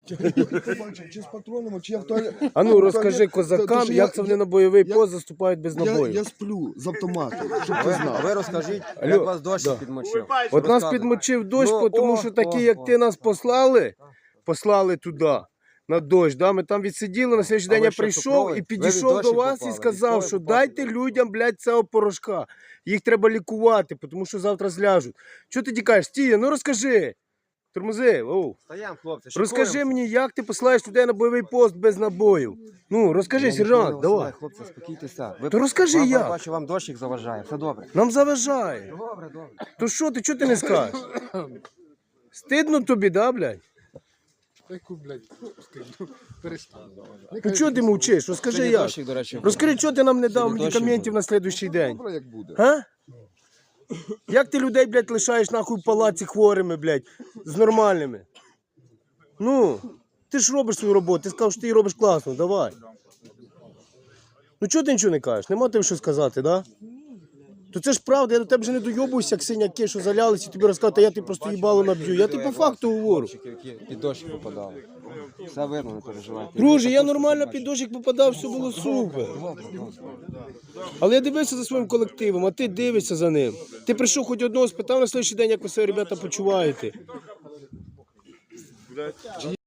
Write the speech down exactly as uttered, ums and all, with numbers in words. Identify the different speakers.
Speaker 1: Чи з патронами, чи я в туалет.
Speaker 2: А ну розкажи козакам, як це вони на бойовий пост заступають без
Speaker 1: Я,
Speaker 2: набою.
Speaker 1: я сплю з автоматом, щоб ти
Speaker 3: А
Speaker 1: знав.
Speaker 3: ви розкажіть,
Speaker 2: Алло,
Speaker 3: як вас дощ
Speaker 2: да.
Speaker 3: підмочив.
Speaker 2: От нас
Speaker 3: Розказуй.
Speaker 2: підмочив дощ,
Speaker 3: Ну,
Speaker 2: тому
Speaker 3: о,
Speaker 2: що такі,
Speaker 3: о,
Speaker 2: як
Speaker 3: о.
Speaker 2: ти нас послали, послали туди, на дощ. Да? Ми там відсиділи, на слідчий
Speaker 3: А
Speaker 2: день
Speaker 3: ви
Speaker 2: я
Speaker 3: що,
Speaker 2: прийшов
Speaker 3: цукровий?
Speaker 2: і
Speaker 3: Ви від
Speaker 2: підійшов
Speaker 3: дощі
Speaker 2: до вас
Speaker 3: попали?
Speaker 2: і сказав,
Speaker 3: Військові
Speaker 2: що
Speaker 3: попали?
Speaker 2: дайте людям, блядь, цього порошка. Їх треба лікувати, тому що завтра зляжуть. Чого ти тікаєш? Стія, ну розкажи. Тормози, оу.
Speaker 3: Стоям, хлопці,
Speaker 2: Розкажи
Speaker 3: шикуємося.
Speaker 2: мені, як ти посилаєш людей на бойовий пост без набоїв. Ну, розкажи,
Speaker 3: Я нічого не
Speaker 2: сержант, давай.
Speaker 3: висилаю, Хлопці, спокійтеся. Ви-
Speaker 2: То розкажи,
Speaker 3: вам,
Speaker 2: як.
Speaker 3: Бачу, вам дощик заважає, все добре.
Speaker 2: Нам заважає.
Speaker 3: Добре, добре.
Speaker 2: То що ти, чого ти не скажеш? Стидно тобі, да, блядь?
Speaker 4: Яку, блядь, стигну. Перестань.
Speaker 2: Ну чого ти мовчиш? Розкажи
Speaker 3: Сьогодні
Speaker 2: як.
Speaker 3: дощик, до речі, був.
Speaker 2: Розкажи, чого ти нам не дав
Speaker 3: Сьогодні дощик
Speaker 2: медикаментів
Speaker 3: був.
Speaker 2: на слідуючий день?
Speaker 1: Добре, як буде.
Speaker 2: А? Як ти людей, блядь, лишаєш нахуй в палаці хворими, блядь, з нормальними? Ну, ти ж робиш свою роботу, ти сказав, що ти її робиш класно, давай. Ну чого ти нічого не кажеш? Нема тобі що сказати, да? То це ж правда, я до тебе вже не дойобуюся, як синяки, що залялися, і тобі розказати, а я тебе просто їбало наб'ю. Я тобі по факту говорю.
Speaker 3: Хлопчики, які під дощик попадали. Все видно, не переживайте.
Speaker 2: Друже, я нормально під дощик попадав, все було супер. Але я дивився за своїм колективом, а ти дивишся за ним. Ти прийшов хоч одного, спитав на слідчий день, як ви себе, ребята, почуваєте.